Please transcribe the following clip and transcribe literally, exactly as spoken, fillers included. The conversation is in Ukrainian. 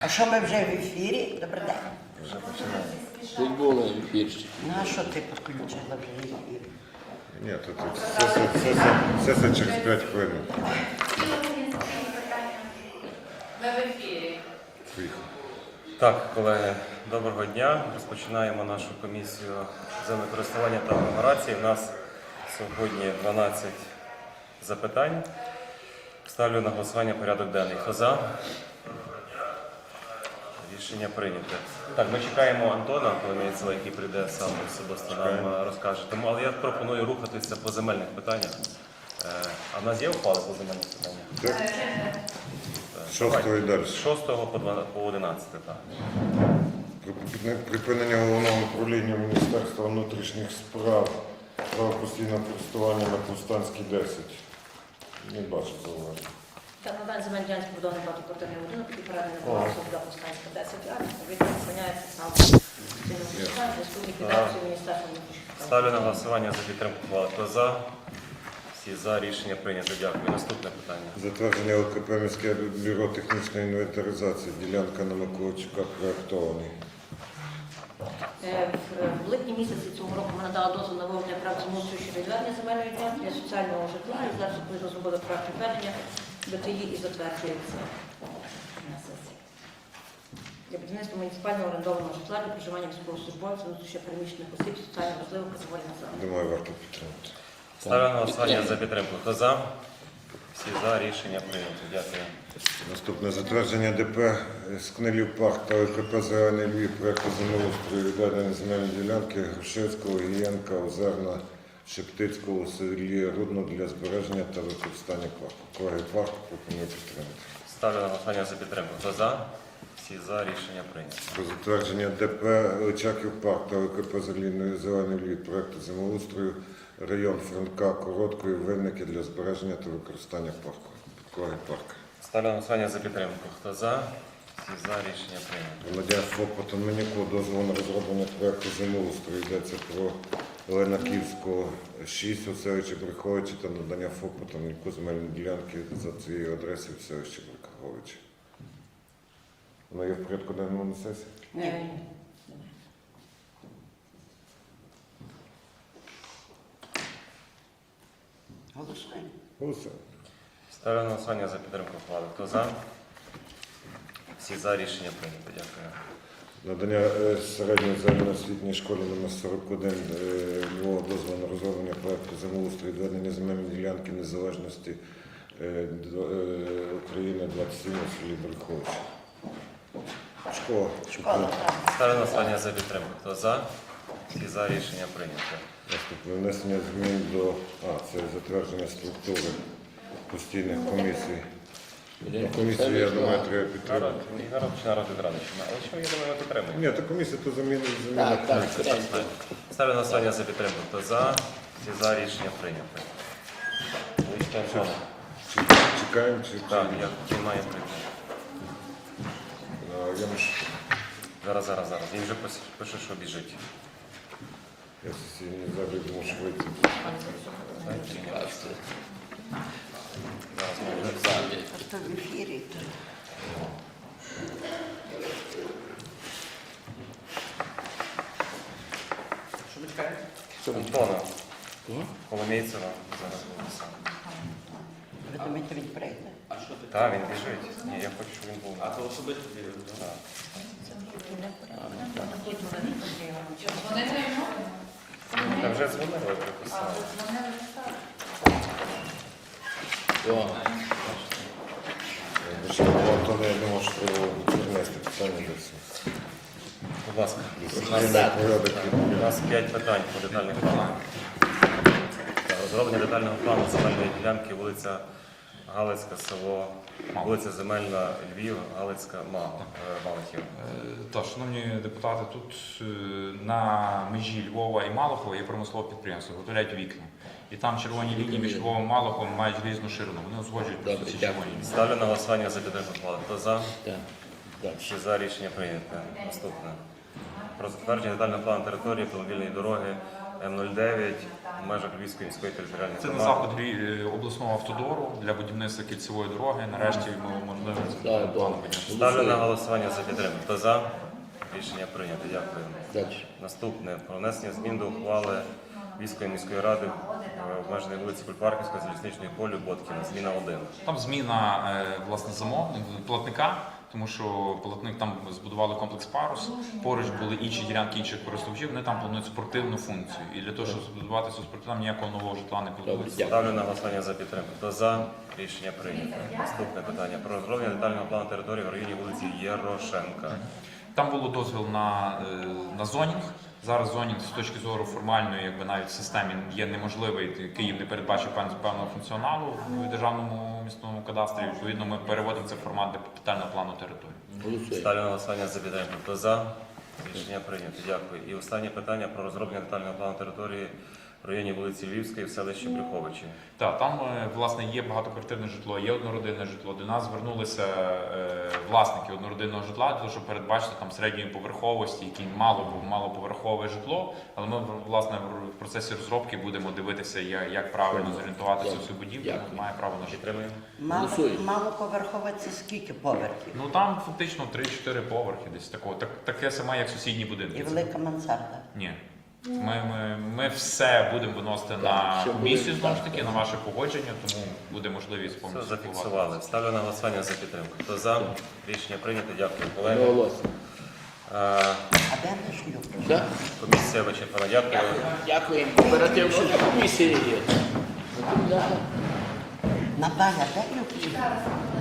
А що ми вже в ефірі? Добрий день. Вже починаємо. Ти була в ефірі. Ну, а що ти підключила вже в ефір? Ні, тут сесія, сесія, сесія через п'ять хвилин. Ми в ефірі. Поїхали. Так, колеги, доброго дня. Розпочинаємо нашу комісію землекористування та агломерації. У нас сьогодні дванадцять запитань. Ставлю на голосування порядок денний. Хто за? Рішення прийнято. Так, ми чекаємо Антона Коломійцева, який прийде сам особисто нам розкаже. Тому, але я пропоную рухатися по земельних питаннях. Е, А в нас є ухвали по земельних питаннях? Так? Шостого і далі. З шостого по дванадцяте, по одинадцяте, так. При- Припинення головного управління Міністерства внутрішніх справ право постійного користування на Повстанській десять. Не бачу зауваження. Та на даний земельний ділянці побудований багатоквартирний будинок, який переданий на баланс до Повстанська десять А, відповідно зупиняється сам постійного користування, в зв'язку з ліквідацією Міністерства внутрішніх справ. Ставлю на голосування за підтримку ухвали. Хто за? Всі за. Рішення прийнято. Дякую. Наступне питання. Затвердження ЛКП «Міське бюро технічної інвентаризації». Ділянка на Миколайчука проєктований. Е, В в липні місяці цього року ми надали дозвіл на виведення проекту землеустрою щодо відведення земельної ділянки для соціального житла, і зараз відповідно зробили проект відведення, БТІ і затверджується на сесії. Для будівництва муніципального орендованого житла для проживання військовослужбовців, внутрішньо переміщених осіб, соціально важливих категорій населення. Думаю, варто підтримати. Ставлю на голосування за підтримку. Хто за? Всі за. Рішення прийнято. Дякую. Наступне затвердження ДП Скнелів парк та ЛКП «Зелений Львів» проєкту землеустрою відведення земельної ділянки Грушевського, Гієнка, Озерна, Шептицького у селі Рудно для збереження та використання парку. Колеги, парк пропоную підтримати. Ставлю на голосування за підтримку. Хто за? Всі за. Рішення прийнято. Про затвердження ДП Личаків парк та ЛКП «Зелений Львів» проєкту землеустрою район Франка Короткої Винники для збереження та використання парку. Колеги, парк. Ставлю на голосування за підтримку. Хто за? Всі за. Рішення прийнято. Володя ФОП Тонменюку дозволу на розроблення проєкту землеустрою. Йдеться про Ленаківського шість у селищі Бреховичі та надання ФОП Тонменюку земельної ділянки за цією адресою в селищі Бреховичі. Воно є в порядку денному на сесії? Ні. Е, Голосуємо. Голосуємо. Ставлю на голосування за підтримку ухвали. Хто за? Всі за. Рішення прийнято. Дякую. Надання е, середньої загальноосвітньої школі номер сорок один е, Львова дозволу на розроблення проєкту землеустрою відведення земельної ділянки незалежності е, до- е, України двадцять сім у селі Бреховичі. Школа. Школа, так. Ставлю на голосування за підтримку. Хто за? Всі за. Рішення прийнято. Наступне внесення змін до а, це затвердження структури постійних комісій. Ну, комісію, я думаю, треба підтримати. Народ, народ чи народ від Радичина. Але що, я думаю, ми підтримуємо. Ні, то комісія то заміни заміна. Так, так, скоренько. Ставлю на голосування за підтримку. Хто за? Всі за. Рішення прийнято. Лише Антона. Чи- Чекаємо, чи Так, я він має прийти. А, я, мушу- Зараз, зараз, зараз. Він вже пис- пише, що біжить. я сесійний забіг мушу вийти. Зараз ми вже Залі. Просто в ефірі. то- Антона Кого? Коломійцева. Зараз буде сам. Ви думаєте, він прийде? Так, він біжить. Ні, я хочу, щоб він був. А то особисто Так. Вони не йому? Та вже дзвонили, приписали. О, Ще Антона, я думав, що треба перенести питання до всіх. Будь ласка. Дисциплінарний порядок. У нас п'ять питань по детальних планах. Так, розроблення детального плану земельної ділянки, вулиця Галицька, село, вулиця Земельна, Львів, Галицька, Мало, е, Малахів. Е, Так, шановні депутати, тут е, на межі Львова і Малахова є промислове підприємство, виготовляють вікна. І там червоні лінії між Львовом і Малаховим мають різну ширину. Вони узгоджують просто Добре, ці дякую. червоні лінії. Ставлю на голосування за підтримку плану. Хто за? так. Далі. Всі за. Рішення прийнято. Наступне. Про затвердження детального плану території автомобільної дороги М нуль дев'ять в межах Львівської міської територіальної Це на громади. заход Львів- е, обласного автодору для будівництва кільцевої дороги. Нарешті ми можливо Да, да. Ставлю на голосування за підтримку. Хто за? Рішення прийнято. Дякую. Далі. Наступне про внесення змін до ухвали Львівської міської ради е, обмеженої вулиці Кульпарківської, Залізничної полю, Боткіна. Зміна один. Там зміна е, власне замовника, платника, тому що платник там збудували комплекс парус, поруч були інші ділянки інших користувачів, вони там планують спортивну функцію. І для того, щоб збудувати цю спортивну, там ніякого нового житла не планується. Дякую. Ставлю на голосування за підтримку. Хто за? Рішення прийнято. Наступне питання про розроблення детального плану території в районі вулиці Єрошенка. Там було дозвіл на, е, на зонінг. Зараз зонінг з точки зору формальної, якби навіть в системі є неможливий. Київ не передбачив певн- певного функціоналу в державному міському кадастрі. Відповідно, ми переводимо це в формат детального плану території. Голосуємо. Ставлю на голосування за підтримку. Хто за? Рішення прийнято. Дякую. І останнє питання про розроблення детального плану території в районі вулиці Львівської в селищі Брюховичі. Так, там е, власне є багатоквартирне житло, є однородинне житло. До нас звернулися е, власники однородинного житла для того, щоб передбачити там середньої поверховості, які мало був малоповерхове житло. Але ми власне в процесі розробки будемо дивитися, я- як правильно зорієнтуватися в цю будівлю. Дякую. Має право на житло. Підтримуємо. Мало, Голосуємо. малоповерхове це скільки поверхів? Ну там фактично три-чотири поверхи десь такого. Так, таке саме, як сусідні будинки. І велика мансарда. Ні. Ми, ми, ми все будемо виносити на все буде, комісію, знову ж так, таки, на ваше погодження, тому буде можливість Все повністю зафіксували. Ставлю на голосування за підтримку. Хто за? Рішення прийнято. Дякую, колеги. Одноголосно. Е, А де наш шлюб? Все? Комісія вичерпана. Дякую. Дякую. Оперативно комісії є. Наталя, де любі?